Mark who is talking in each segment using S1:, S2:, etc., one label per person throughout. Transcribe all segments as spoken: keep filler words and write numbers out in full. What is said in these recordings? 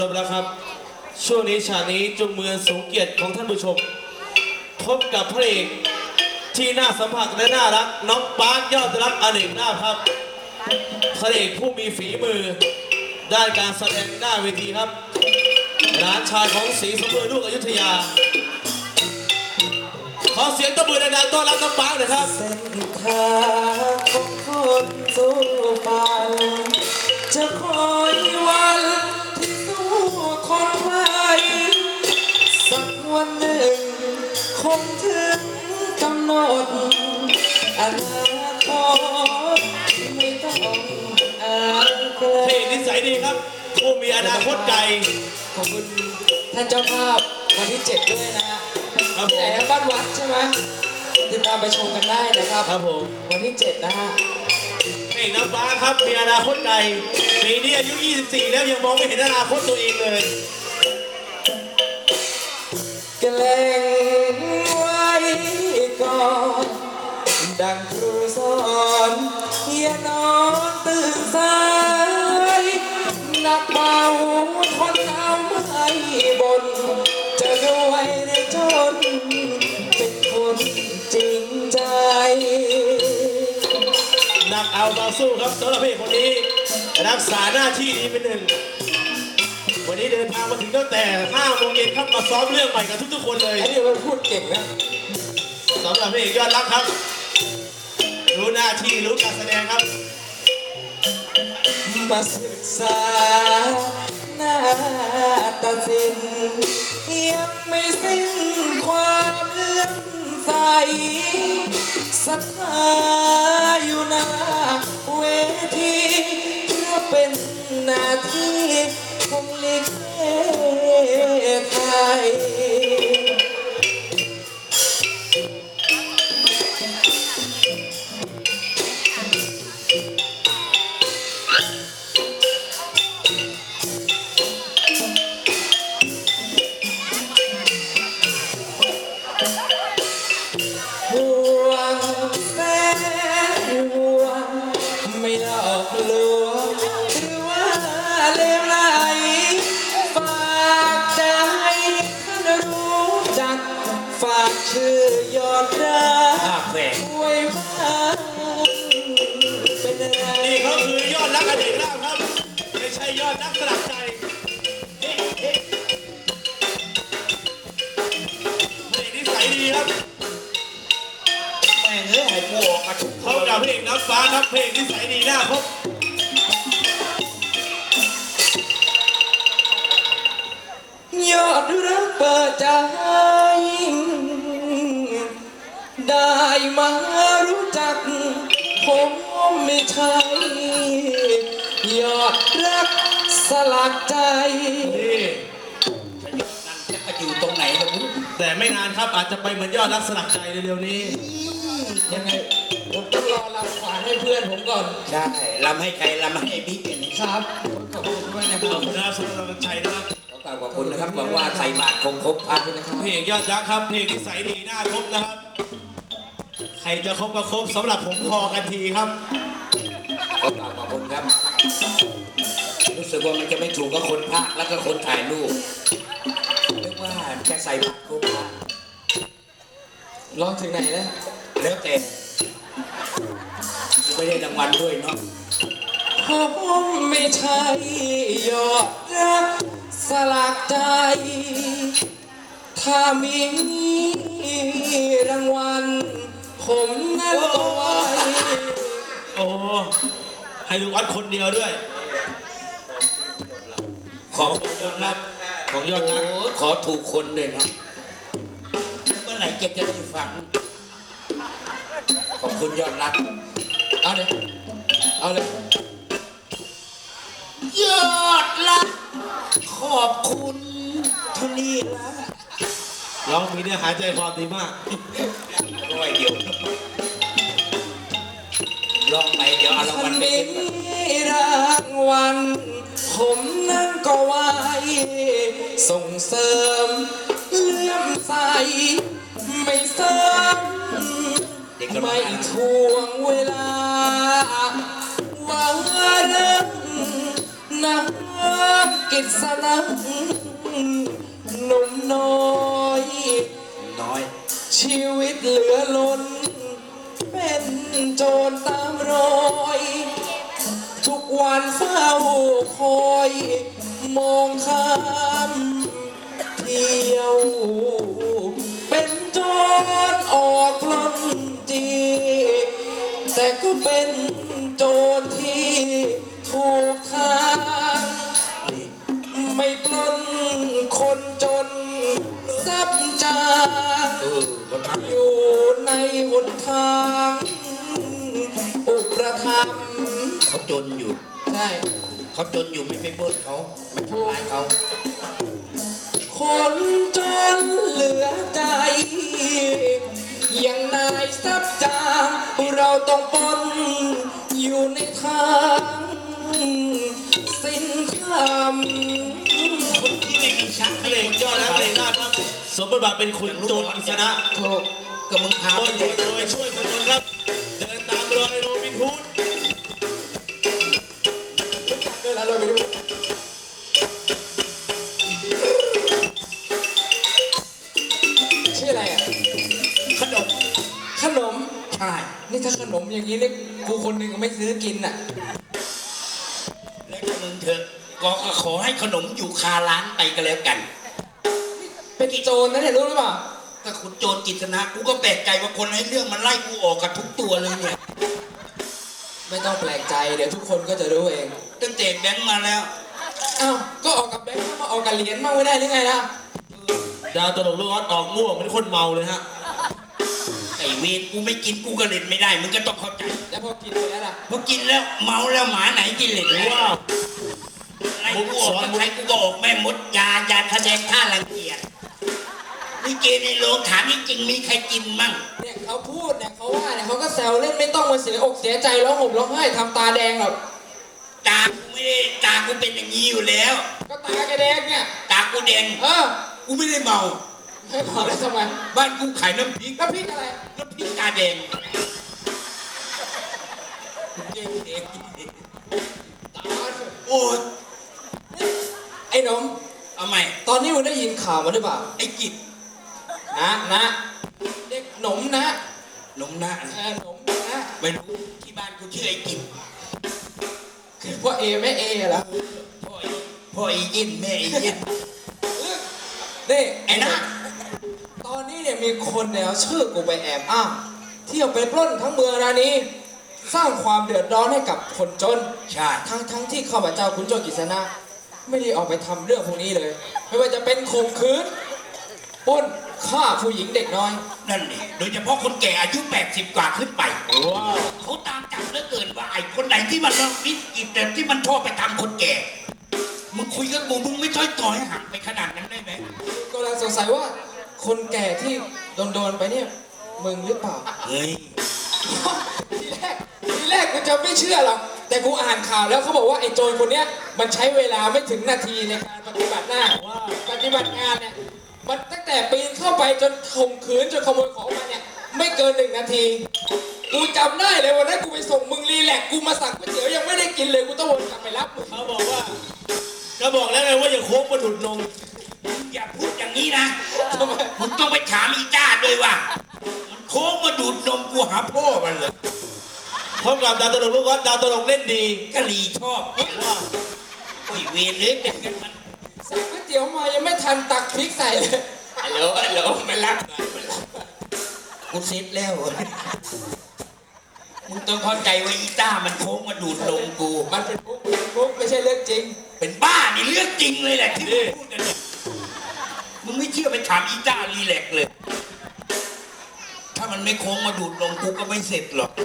S1: แล้วครับช่วงนี้ฉากนี้จงมือสูงเกียรติของท่านผู้ชมพบกับพระเอกที่น่าสัมผัสและน่ารักน้องปาร์คยอดรักอเนกนาถครับพระเอกผู้มีฝีมือด้านการแสดงหน้าเวทีครับหลานชายของศรีสมบูรณ์ลูกอยุธยาขอเสียงตบมือดังๆต้อนรับน้องปาร์คหน่อยครับ
S2: เส้นทางของคนสู้ฝันจะคอยวันที่สู้คนไว้สักวันหนึ่งคงถึงกำหนดอนาคตไม่ต้องอ่านไกล
S1: เพลงนิสัยดีครับผู้มีอนาคตไกล
S2: ขอบคุณท่านเจ้าภาพวันที่เจ็ดด้วยนะฮะ
S1: ครับผ
S2: ที่ไหน
S1: ม
S2: นะบ้านวัดใช่ไหมติดตามไปชมกันได้นะครับ
S1: ครับผม
S2: วันที่เจ็ดนะฮะ
S1: เพลงน้องฟ้าครับมีอนาคตไกลปีนี้อายุยี่สิบสี่แล้วยังมองไม่เห็นอนาคตตัวเองเลย
S2: แกล้งไว้ก่อนดังครูสอนอย่านอนตื่นสายหนักเบาทนเอาไม่บนจะรวยหรือจนเป็นคนจริงใจ
S1: หนักเอาเบาสู้ครับสำหรับเพลงคนนี้รักษาหน้าที่ดีเป็นหนึ่งวันนี้เดินทางมาถึงตั้งแต่ห้าโมงเย็นครับมาซ้อมเรื่องใหม่กับทุกๆคนเลย
S2: อันนี้มันพูดเก่งนะ
S1: สำหรับเพลงยอดรักครับรู้หน้าที่รู้การแสดงครับ
S2: มาศึกษาหน้าตาสินยังไม่สิ้นความเลื่อมใสศรัทธาอยู่หน้าเวทีเพื่อเป็นหน้าที่ของลิเกไทยไม่หลอกลวงหรือว่าเลวไหลฝากใจท่านรู้จักฝากชื่อยอดรักไว้บ้างเป็นอะไร
S1: นี่เขาคือยอดรักอเนกนาถครับไม่ใช่ยอดรักสลักใจเพลงนิสัยดีครับ
S2: แม่งเอ้ยให้กูออกมาทุก
S1: เขากับเพลงน้ำฟ้าครับเพลงนิสัยดีหน้าพบ
S2: ยอดรักเปิดใจได้มารู้จักผมไม่ใช่ยอดรักสลักใจ
S1: นี่
S2: จะอยู่ตรงไหนล่ะมึง
S1: แต่ไม่นานครับอาจจะไปเหมือนยอดรักสลักใจเร็วๆนี้
S2: ยังไงผมต้องรอลำขวานให้เพื่อนผมก่อน
S3: ใช่ลำให้ใครลำให้บิ๊กอย่างนี้
S2: ครับขอบคุณด้วยนะครับ
S1: ขอบคุณนะครับสำหรับกำลังใจนะครับ
S3: ขอบคุณนะครับหวังว่าใส่บาตรคงครบครับ
S1: เพลงยอดรักครับเพลงนิสัยดีหน้าครบนะครับใครจะครบก็ครบสำหรับผมพอกันทีครับ
S3: ขอบขอบคุณครับรู้สึกว่ามันจะไม่ถูกกับคนพากแล้วก็คนถ่ายรูปเรียกว่าจะใส่บาตรครบ
S2: ร้องถึงไหนแล้ว
S3: แล้วแต่ไม่ได้รางวัลด้วยเนาะ
S2: ผมไม่ใช่ยอดรักสลักใจถ้ามีรางวัลผมนั้นก็ไว้
S1: โอ้ให้ลูกวัดคนเดียวด้วยของยอดรักของยอดรัก
S3: ขอถูกคนเลยนะเมื่อไหร่เก็บจะได้ฟังขอบคุณยอดรัก
S2: เอาเลยเอาเลย
S3: ยอดรักขอบคุณทุนี้ละ
S1: ร้องมีเนื้อหายใจความดีมาก
S3: ร้อยเดียวลองไปเดี๋ยวเอารางวัลไปเก็บ
S2: รางวัลผมนั่นก็ไว้ส่งเสริมเลื่อมใสไม่เสริมไม่ทวงเวลาว่าเรื่องน้ำกิษณะหนุ่มน้อย
S3: น้อย
S2: ชีวิตเหลือล้น เป็นโจรตามรอย ทุกวันเฝ้าคอย มองข้ามเที่ยว เป็นโจรออกปล้นจีแต่ก็เป็นโจรที่ถูกทางไม่ปล้นคนจนซับจาง
S3: เออคนทำ
S2: อยู่ในหนทางอุประธรรมภ์
S3: เขาจนอยู่
S2: ใช่
S3: เขาจนอยู่ไม่ไปปล้นเขาไม่ทำร้ายเขา
S2: คนจนเหลือใจอย่างนายซับจางเราต้องปนอยู่ในทางสิ้นคำ
S3: คนที่ไม่มีชัก
S1: พระเอกยอดและพระเอกหน้าครับสมบทบาทเป็นขุนโจรกิษณะ
S2: ถูก
S3: ก็มึงพา
S1: บ
S3: ไป
S1: น
S3: เด็ก
S1: โดยช่วยคนจนครับ เดินตามรอยโรบินฮูด
S2: เดินแล้วเราไปดูชื่ออะไรอ่ะ
S3: ขนม
S2: ขนม
S3: ใช่
S2: นี่ถ้าขนมอย่างนี้เนี่ยกูคนหนึ่งก็ไม่ซื้อกินอ่ะ
S3: แล้วก็มึงเถอะก็ขอให้ขนมอยู่คาร้านไปก็แล้วกัน
S2: เป็นโจรนะเนี่ยรู้หรือเปล่า
S3: ถ้าคุณโจรกิจนะกูก็แปลกใจว่าคนให้เรื่องมันไล่กูออกกับทุกตัวเลยเนี่ย
S2: ไม่ต้องแปลกใจเดี๋ยวทุกคนก็จะรู้เอง
S3: ตั้งแต่แบงค์มาแล้ว
S2: อ้าวก็ออกกับแบงค์มาออกกับเหรียญมาไม่ได้หรือไงล่ะ
S1: ดาวตลกลูกออสออกม่วงเป็นคนเมาเลยฮะ
S3: ไอ้เวรกูไม่กินกูก็เล่นไม่ได้มึงก็ต้องเข้าใจ
S2: แล้วพอกินไปแล้วล่ะ
S3: พอกินแล้วเมาแล้วหมาไหนกินเล่นว้า
S1: ว้าว
S3: ไล่กูออกใครกูก็ออกแม่มดยายาแสดงท่ารังเกียจนี่เกในโรงถามจริงๆมีใครกินมั่ง
S2: เนี่ยเขาพูดเนี่ยเขาว่าเนี่ยเขาก็แซวเล่นไม่ต้องมาเสียอกเสียใจร้องห่มร้องไห้ทำตาแดงหรอก
S3: ตากูไม่ได้ตากูเป็นอย่างนี้อยู่แล้ว
S2: ก็ตาแกแดงเนี่ย
S3: ตากูแดง
S2: เออ
S3: กูไม่ได้เมา
S2: ให้บอกแล้วทำไม
S3: บ้านกูขายน้ำพริก
S2: แล้วพริกอะไร
S3: น้ำพริกตาแดงเก่งเด็ก
S2: ตา
S3: โอ้ย
S2: ไอ้หนม
S3: เอาใหม่
S2: ตอนนี้มึงได้ยินข่าวมาหรือเปล่า
S3: ไอ้กิจ
S2: นะนะเด็กหนมนะ
S3: นมหน้า
S2: เออหนมนะ
S3: ไม่รู้ที่บ้านกูชื่อไอ้กิจ
S2: คือพ่อเอแม่เอเหรอ
S3: พ่อไอ้พ่อไอ้ยินแม่ไอ้ยิน
S2: นี่
S3: ไอ้นะ
S2: ตอนนี้เนี่ยมีคนเนี่ยเอาชื่อกูไปแอบอ้างเที่ยวไปปล้นทั้งเมืองรานี้สร้างความเดือดร้อนให้กับคนจน
S3: ใช่
S2: ทั้งทั้งที่ข้าพเจ้าขุนโจรกฤษณะไม่ได้ออกไปทำเรื่องพวกนี้เลย ไม่ว่าจะเป็นข่มขืนปล้นฆ่าผู้หญิงเด็กน้อย
S3: นั่นนี่โดยเฉพาะคนแก่อายุแปดสิบกว่าขึ้นไป
S1: ว้าว
S3: เขาตามจับเหลือเกินว่าไอ้คนไหนที่มันวิกิจแต่ที่มันชอบไปทำคนแก่ มึงคุยกับกูมึงไม่ช่วยต่อยห่างไปขนาดนั้นได้ไหม
S2: ก็เลยสงสัยว่าคนแก่ที่โดนโดนๆไปเนี่ยมึงหรือเปล่า
S3: เฮ้ย
S2: ทีแรกทีแรกกูจะไม่เชื่อหรอกแต่กูอ่านข่าวแล้วเขาบอกว่าไอ้โจรคนเนี้ยมันใช้เวลาไม่ถึงนาทีในการปฏิบัติหน้าว่าปฏิบัติงานเนี่ยมันตั้งแต่ปีนเข้าไปจนข่มขืนจนขโมยของมาเนี่ยไม่เกินหนึ่งนาทีกูจำได้เลยวันนั้นกูไปส่งมึงรีแลกซ์กูมาสั่งก๋วยเตี๋ยวยังไม่ได้กินเลยกูต้องวนกลับไปรับมึง
S1: เขาบอกว่า ก็บอกแล้วไงว่าอย่าโค้งมาดุดนม
S3: มึงอย่าพูดอย่างนี้นะ
S2: ทำไม
S3: มึงต้องไปถามอีจ้าด้วยว่ามันโค้งมาดูดนมกูหาพ่อมันเลย
S1: พร้อมกับดาวตลกลูกออสดาวตลกเล่นดี
S3: กะหรี่ชอบว่าโอ้ยเวรเลยเป็นกันมัน
S2: สั่งก๋วยเตี๋ยวมายังไม่ทันตักพริกใส่เลย
S3: ฮัลโหลฮัลโหลมารับหน่อยมารับหน่อยกูเซ็ตแล้วมึงต้องเข้าใจว่าอีจ้ามันโค้งมาดูดนมกู
S2: มันเป็นปุ๊กเป็นปุ๊กไม่ใช่เรื่องจริง
S3: เป็นบ้านี่เรื่องจริงเลยแหละที่มึงพูดกันเนี่ยมึงไม่เชื่อไปถามอีจ้ารีแลกซ์เลย ถ้ามันไม่โค้งมาดูดนมกูก็ไม่เสร็จหรอก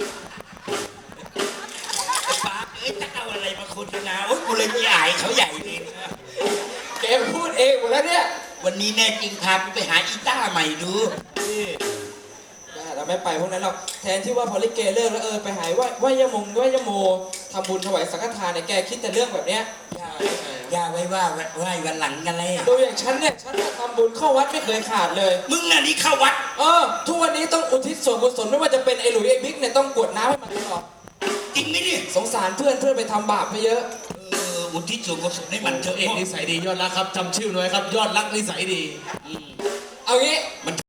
S3: ไอ้ป้าเอ้ยจะเอาอะไรมาโฆษณาโอ๊ยกูเลยไม่อายเขาใหญ่เลยนะ
S2: แกพูดเองหมดแล้วเนี่ย
S3: วันนี้แน่จริงพากูไปหาอีต้าใหม่ดู
S1: นี่
S2: เราไม่ไปพวกนั้นหรอกแทนที่ว่าพอลิเกเลิกแล้วเออไปหายไหว้ไหว้ยะมงไหว้ยะโมทำบุญถวายสังฆทานเนี่ยแกคิดแต่เรื่องแบบเนี้ย
S3: ย่าย่าไว้ว่าไว้วันหลังกันเลย
S2: โดยอย่างฉันเนี่ยฉันน่ะทำบุญเข้าวัดไม่เคยขาดเลย
S3: มึงน่ะนี่เข้าวัด
S2: เออทุกวันนี้ต้องอุทิศส่วนกุศลไม่ว่าจะเป็นไอ้หลุยไอ้บิ๊กเนี่ยต้องกรวดน้ำให้มันตลอด
S3: จริงไหมเนี่ย
S2: สงสารเพื่อนเพื่อนไปทำบาปไปเยอะ
S3: เอออุทิศส่วนกุศลให้มันเถ
S1: เจ้า
S3: อะ
S1: เอกนิสัยดียอดรักครับจำชื่อหน่อยครับ ยอดรักนิสัยดี
S2: เอางี้